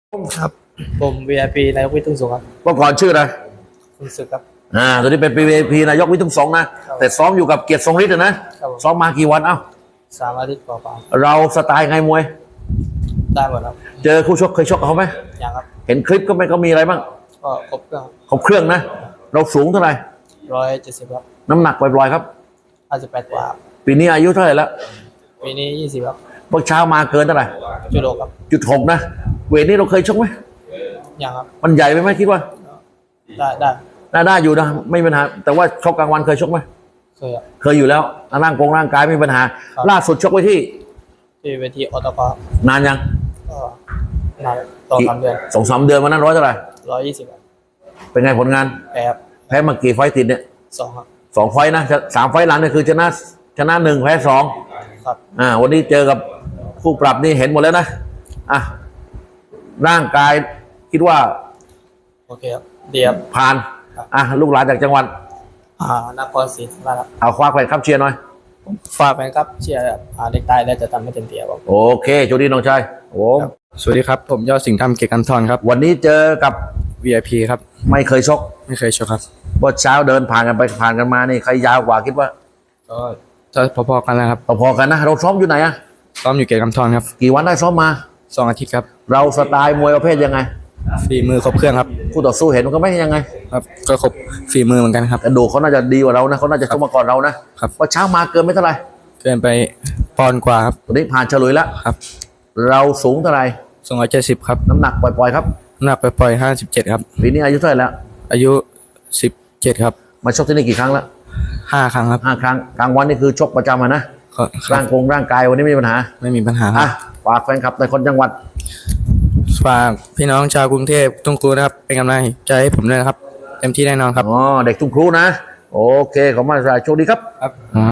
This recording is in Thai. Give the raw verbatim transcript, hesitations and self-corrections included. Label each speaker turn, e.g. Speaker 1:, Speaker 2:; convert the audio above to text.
Speaker 1: ครับผม วี ไอ พี นายกวิทุ่งสงครับ
Speaker 2: เมื่อก่อนชื่ออะไร
Speaker 1: คุณศึกครับ
Speaker 2: อ่าตอนนี้เป็น วี ไอ พี นายกวิทุ่งสงนะแต่ซ้อมอยู่กับเกียรติทรงฤทธิ์นะซ้อมมากี่วันเอ้า
Speaker 1: สามอาทิตย์กว่า
Speaker 2: เราสไตล์ไงมวย
Speaker 1: ได้หมดครับ
Speaker 2: เจอคู่ชกเคยชกกับเขาไหม
Speaker 1: ยังครับ
Speaker 2: เห็นคลิปก็ไม่ก็มีอะไรบ้าง
Speaker 1: ก็ครบเครื่อง
Speaker 2: ครบเครื่องนะเราสูงเท่าไหร่
Speaker 1: ร้อยเจ็ดสิบครับ
Speaker 2: น้ำหนักปล่อยๆครับ
Speaker 1: ห้าสิบแปดกว่า
Speaker 2: ปีนี้อายุเท่าไหร่แล้ว
Speaker 1: ปีนี้ยี่สิบครับ
Speaker 2: เมื่อเช้ามาเกินเท่าไหร่
Speaker 1: จุดหกครับ
Speaker 2: จุดหกนะเวทนี้เราเคยชกไหม
Speaker 1: ยังครับ
Speaker 2: มันใหญ่ไปไหมคิดว่า
Speaker 1: ได้ได้
Speaker 2: ได้ได้อยู่นะไม่มีปัญหาแต่ว่าชกกลางวันเคยชกไหม
Speaker 1: เคยครับ
Speaker 2: เคยอยู่แล้วร่างกงร่างกายไม่มีปัญหาล่าสุดชกไว้ที่
Speaker 1: ที่เวทีอตก
Speaker 2: นานยัง
Speaker 1: ก็นานต่อสามเดือน
Speaker 2: สองสามเดือนวันนั้นร้อยเท่าไหร่
Speaker 1: ร้อยยี่สิบ
Speaker 2: เป็นไงผลงาน
Speaker 1: แพ้ครับ
Speaker 2: แพ้มากี่ไฟติดเนี่ย
Speaker 1: สองครับ
Speaker 2: สองไฟนะสามไฟหลังเนี่ยคือชนะชนะหนึ่งแพ้สอง
Speaker 1: ครับ
Speaker 2: อ่าวันนี้เจอกับคู่ปรับนี่เห็นหมดแล้วนะอ่ะร่างกายคิดว่า
Speaker 1: โอเคครับเดียบ
Speaker 2: ผ่านอ่ะลูกหลานจากจังหวัด
Speaker 1: อ่านครศรีธรรมราชครับ
Speaker 2: เอาคว้าแขวนครับเชียร์หน่อย
Speaker 1: ฝากไปครับเชียร์อ่าเด็กตายแล้วจะทำให้เต็มที่ครับ
Speaker 2: โอเคโชคดีน้องชายโอ้
Speaker 3: สวัสดีครับผมยอดสิงห์ธรรมเกียรติกันทรครับ
Speaker 2: วันนี้เจอกับ
Speaker 3: วี ไอ พี ครับ
Speaker 2: ไม่เคยชก
Speaker 3: ไม่เคยชกครับ
Speaker 2: เมื่อเช้าเดินผ่านกันไปผ่านกันมานี่ใครยาวกว่าคิดว่า
Speaker 3: ก็จะพอๆกันแล้วครับ
Speaker 2: พอๆกันนะเราซ้อมอยู่ไหนอะ
Speaker 3: ซ้อมอยู่เกียรติกันทรครับ
Speaker 2: กี่วันได้ซ้อมมา
Speaker 3: สองอาทิตย์ครับ
Speaker 2: เราสไตล์มวยประเภทยังไง
Speaker 3: ฝีมือครบเครื่องครับ
Speaker 2: คู่ต่อสู้เห็นมันก็ไม่ยังไง
Speaker 3: ครับก็ครบฝีมือเหมือนกันครับ
Speaker 2: กระดูกเขาน่าจะดีกว่าเรานะเขาน่าจะชกมาก่อนเรานะครับว่าเช้ามาเกินไม่เท่าไหร่
Speaker 3: เกินไปปอนด์กว่าครับ
Speaker 2: วันนี้ผ่านเฉลยแล้ว
Speaker 3: ครับ
Speaker 2: เราสูงเท่าไหร่
Speaker 3: สองร้อยเจ็ดสิบครับ
Speaker 2: น้ำหนักปล่อยๆครับ
Speaker 3: น้ำหนักปล่อยๆห้าสิบเจ็ดครับ
Speaker 2: ปีนี้อายุเท่าไหร่แล้ว
Speaker 3: อายุสิบเจ็ดครับ
Speaker 2: มาชกที่นี่กี่ครั้งแล้ว
Speaker 3: ห้าครั้งครับ
Speaker 2: ห้าครั้งกลางวันนี่คือชกประจำนะร่างกงร่างกายวันนี้ไม่มีปัญหา
Speaker 3: ไม่มีปัญหาครับ
Speaker 2: ฝากแฟนคลับในคนจังหวัด
Speaker 3: ฝากพี่น้องชาวกรุงเทพทุ่งครูนะครับเป็นกำลังใจให้ผมด้วยนะครับเต็มที่แน่นอนครับ
Speaker 2: อ๋อเด็กทุ่งครูนะโอเคขอบคุณมากโชคดีครับ